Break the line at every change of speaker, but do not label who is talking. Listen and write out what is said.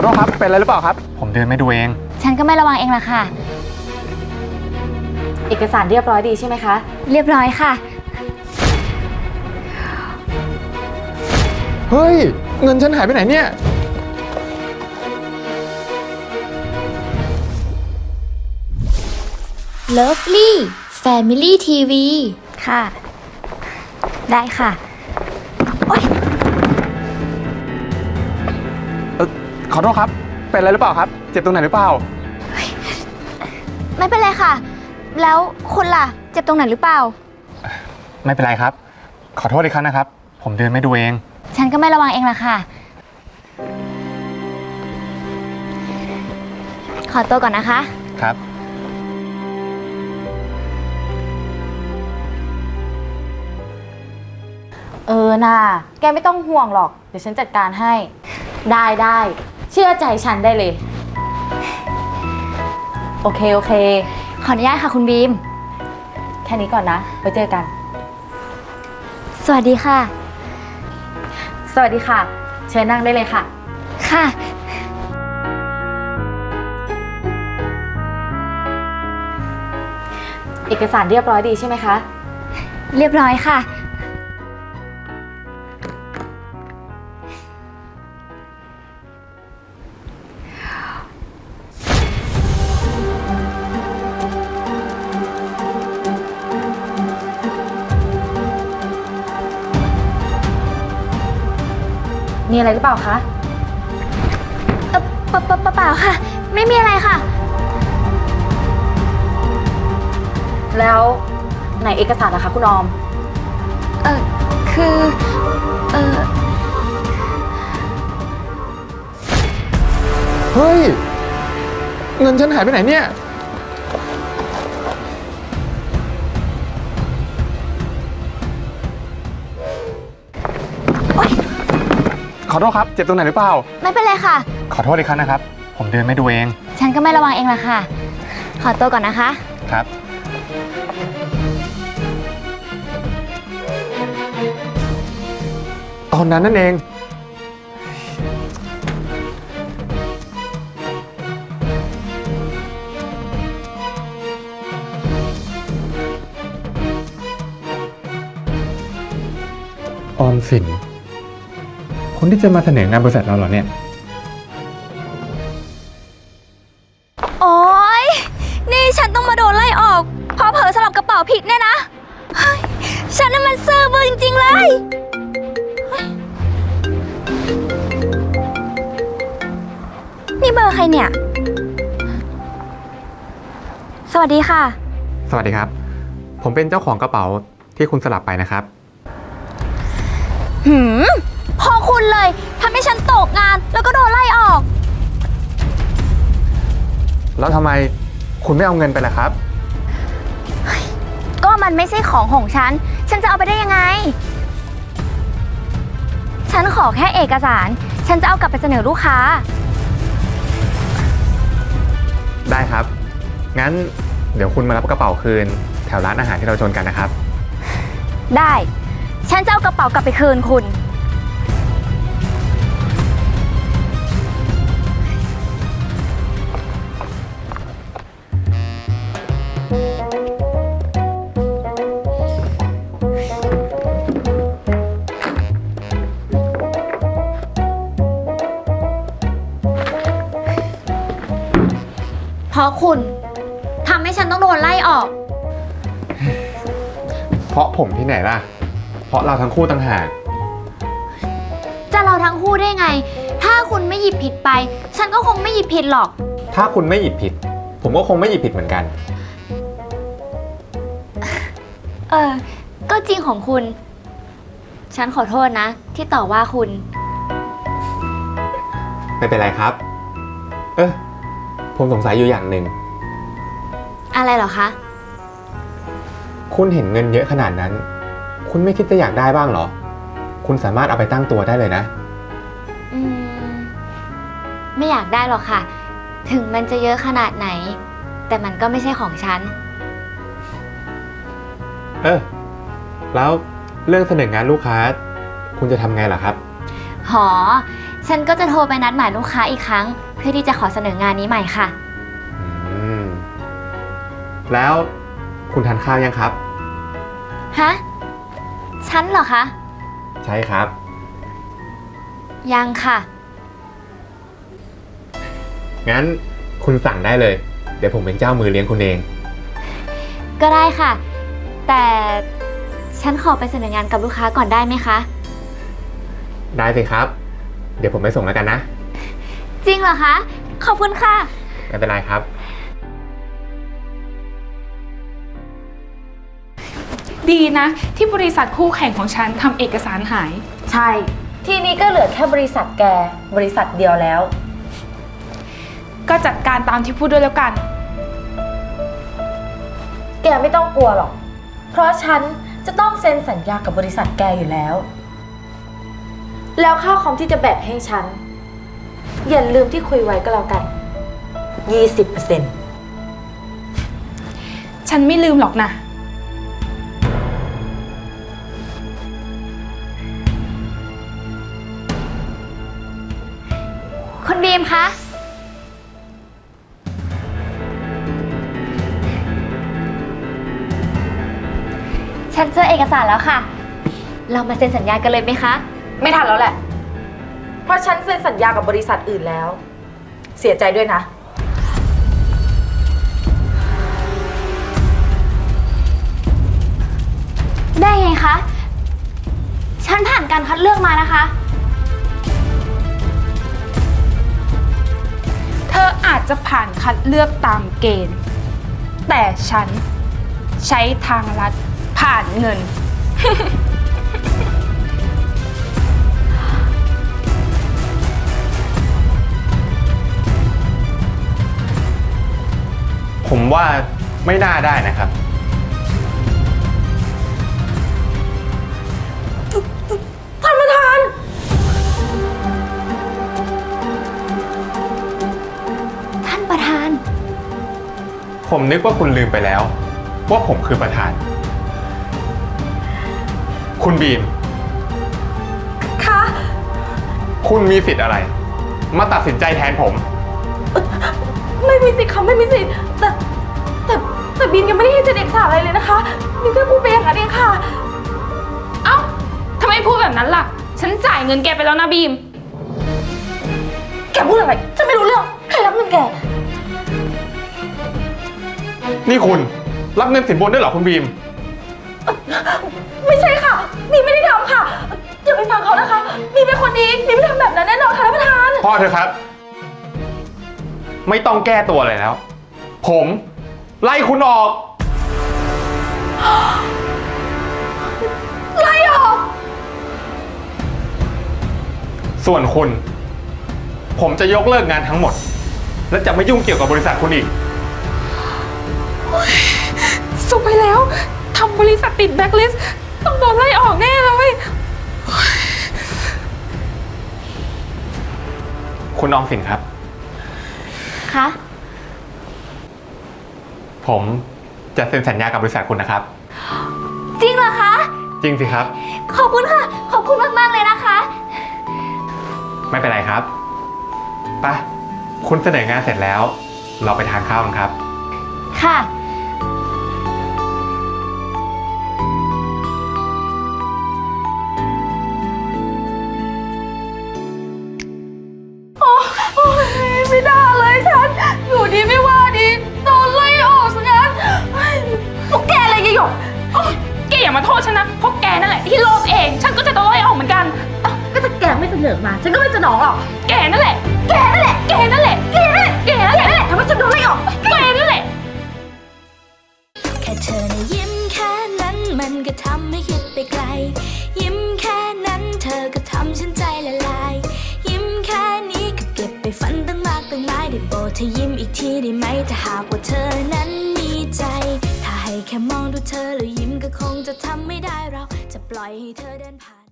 ษครับเป็นอะไรหรือเปล่าครับผมเดินไม่ดูเอง
ฉันก็ไม่ระวังเองล่ะค่ะ
เอกสารเรียบร้อยดีใช่ไหมคะ
เรียบร้อยค่ะ
เฮ้ยเงินฉันหายไปไหนเนี่ย
เลิฟลี่แฟมิลี่ทีวี
ค่ะได้ค่ะ
ขอโทษครับเป็นอะไรหรือเปล่าครับเจ็บตรงไหนหรือเปล่า
ไม่เป็นไรค่ะแล้วคุณล่ะเจ็บตรงไหนหรือเปล่า
ไม่เป็นไรครับขอโทษอีกครั้งนะครับผมเดินไม่ดูเอง
ฉันก็ไม่ระวังเองล่ะค่ะขอตัวก่อนนะคะ
ครับ
น่ะแกไม่ต้องห่วงหรอกเดี๋ยวฉันจัดการให้ได้เชื่อใจฉันได้เลยโอเค
ขออนุญาตค่ะคุณบีม
แค่นี้ก่อนนะไว้เจอกัน
สวัสดีค่ะ
สวัสดีค่ะเชิญนั่งได้เลยค่ะ
ค่ะ
เอกสารเรียบร้อยดีใช่ไหมคะ
เรียบร้อยค่ะ
มีอะไรหรือเปล่าคะ
เปล่าค่ะไม่มีอะไรค่ะ
แล้วไหนเอกสารนะคะคุณออม
คือ
เฮ้ยเงินฉันหายไปไหนเนี่ยขอโทษครับเจ็บตรงไหนหรือเปล่า
ไม่เป็นไรค่ะ
ขอโทษอีกครั้งนะครับผมเดินไม่ดูเอง
ฉันก็ไม่ระวังเองล่ะค่ะขอตัวก่อนนะคะ
ครับตอนนั้นนั่นเองออมสินคนที่จะมาเสนองานบริษัทเราเหรอเนี่ย
โอ๊ยนี่ฉันต้องมาโดนไล่ออกเพราะเผลอสลับกระเป๋าผิดเนี่ยนะฉันน่ะมันซื่อบื้อจริงๆเลยนี่เบอร์ใครเนี่ยสวัสดีค่ะ
สวัสดีครับผมเป็นเจ้าของกระเป๋าที่คุณสลับไปนะครับ
พอคุณเลยทำให้ฉันตกงานแล้วก็โดนไล่ออก
แล้วทำไมคุณไม่เอาเงินไปล่ะครับ
ก็มันไม่ใช่ของฉันจะเอาไปได้ยังไงฉันขอแค่เอกสารฉันจะเอากลับไปเสนอลูกค้า
ได้ครับงั้นเดี๋ยวคุณมารับกระเป๋าคืนแถวร้านอาหารที่เราชนกันนะครับ
ได้ฉันจะเอากระเป๋ากลับไปคืนคุณเพราะคุณทำให้ฉันต้องโดนไล่ออก
เพราะผมที่ไหนล่ะเพราะเราทั้งคู่ต่างหาก
จะเราทั้งคู่ได้ไงถ้าคุณไม่หยิบผิดไปฉันก็คงไม่หยิบผิดหรอก
ถ้าคุณไม่หยิบผิดผมก็คงไม่หยิบผิดเหมือนกัน
ก็จริงของคุณฉันขอโทษนะที่ต่อว่าคุณ
ไม่เป็นไรครับผมสงสัยอยู่อย่างหนึ่ง
อะไรเหรอคะ
คุณเห็นเงินเยอะขนาดนั้นคุณไม่คิดจะอยากได้บ้างเหรอคุณสามารถเอาไปตั้งตัวได้เลยนะ
ไม่อยากได้หรอกค่ะถึงมันจะเยอะขนาดไหนแต่มันก็ไม่ใช่ของฉัน
แล้วเรื่องเสนองานลูกค้าคุณจะทำไงล่ะครับ
หอฉันก็จะโทรไปนัดหมายลูกค้าอีกครั้ง เพื่อที่จะขอเสนองานนี้ใหม่ค่ะ
อืม แล้วคุณทานข้าวยังครับ
ฮะ ฉันเหรอคะ
ใช่ครับ
ยังค่ะ
งั้นคุณสั่งได้เลย เดี๋ยวผมเป็นเจ้ามือเลี้ยงคุณเอง
ก็ได้ค่ะ แต่ฉันขอไปเสนองานกับลูกค้าก่อนได้ไหมคะ
ได้สิครับ เดี๋ยวผมไปส่งแล้วกันนะ
จริงเหรอคะ ขอบคุณค่ะ
ไม่เป็นไรครับ
ดีนะ ที่บริษัทคู่แข่งของฉันทำเอกสารหาย
ใช่ ทีนี้ก็เหลือแค่บริษัทแก บริษัทเดียวแล้ว
ก็จัดการตามที่พูดด้วยแล้วกัน
แกไม่ต้องกลัวหรอก เพราะฉันจะต้องเซ็นสัญญากับบริษัทแกอยู่แล้ว แล้วค่าคอมที่จะแบ่งให้ฉัน อย่าลืมที่คุยไว้ก็แล้วกัน 20%
ฉันไม่ลืมหรอกนะ
คุณบีมคะ ฉันเจอเอกสารแล้วค่ะ เรามาเซ็นสัญญากันเลยไหมคะ
ไม่ทันแล้วแหละ เพราะฉันเซ็นสัญญากับบริษัทอื่นแล้ว เสียใจด้วยนะ
ได้ไงคะ ฉันผ่านการคัดเลือกมานะคะ
เธออาจจะผ่านคัดเลือกตามเกณฑ์ แต่ฉันใช้ทางลัดผ่านเงิน
ผมว่าไม่น่าได้นะครับ
ท่านประธาน
ท่านประธาน
ผมนึกว่าคุณลืมไปแล้ว ว่าผมคือประธาน คุณบีม
คะ
คุณมีสิทธิ์อะไร มาตัดสินใจแทนผม
ไม่มีสิทธิ์ค่ะไม่มีสิทธิ์แต่บีมยังไม่ได้ให้เซ็นเอกสารอะไรเลยนะคะบีมแค่พูดไปอย่างนั้นเองค่ะ
เอ้าทำไมพูดแบบนั้นล่ะ ฉันจ่ายเงินแกไปแล้วนะบีม
แกพูดอะไรฉันไม่รู้เรื่องใครรับเงินแก
นี่คุณรับเงินสินบนด้วยเหรอคุณบีม
ไม่ใช่ค่ะบีมไม่ได้ทำค่ะอย่าไปฟังเขานะคะบีมเป็นคนดีบีมไม่ทำแบบนั้นแน่นอนค่ะท่านประธาน
พ่อเธอครับ ไม่ต้องแก้ตัวอะไรแล้ว ผมไล่คุณออก
ไล่ออก
ส่วนคุณ ผมจะยกเลิกงานทั้งหมด และจะไม่ยุ่งเกี่ยวกับบริษัทคุณอีก
สุดไปแล้วทำบริษัทติดแบล็คลิสต์ต้องโดนไล่ออกแน่เลย
คุณออมสินครับ
คะ
ผมจะเซ็นสัญญากับบริษัทคุณนะครับ
จริงเหรอคะ
จริงสิครับ
ขอบคุณค่ะ ขอบคุณมากๆเลยนะคะ
ไม่เป็นไรครับไปคุณเสนองานเสร็จแล้ว เราไปทานข้าวกันครับ
ค่ะ
ไม่ได้เลยฉันอยู่ดีไม่ว่าดีโดนไล่ออกซะงั้นพวกแกอะไรยายหยก
โอ๊ยแกอย่ามาโทษฉันนะ เพราะแกนั่นแหละที่โลภเอง ฉันก็จะโดนไล่ออกเหมือนกัน
ก็ถ้าแกไม่เสนอมาฉันก็ไม่สนองหรอก
แกนั่นแหละ
แกนั่นแหละ
แกนั่นแหละ
แกนั่นแหละ
แกนั่นแหละ
ทำให้ฉันโดนไล่ออก
แกนั่นแหละ
แค่เธอนะยิ้มแค่นั้นมันก็ทำให้คิดไปไกล ยิ้มแค่นั้นเธอก็ทำฉันใจละลาย ยิ้มแค่นี้ก็เก็บไปฝันตั้งมากตั้งหลายได้โปรดเธอยิ้มอีกทีได้ไหมถ้าหากว่าเธอนั้นมีใจ ถ้าให้แค่มองดูเธอแล้วยิ้มก็คงจะทำไม่ได้เราจะปล่อยให้เธอเดินผ่าน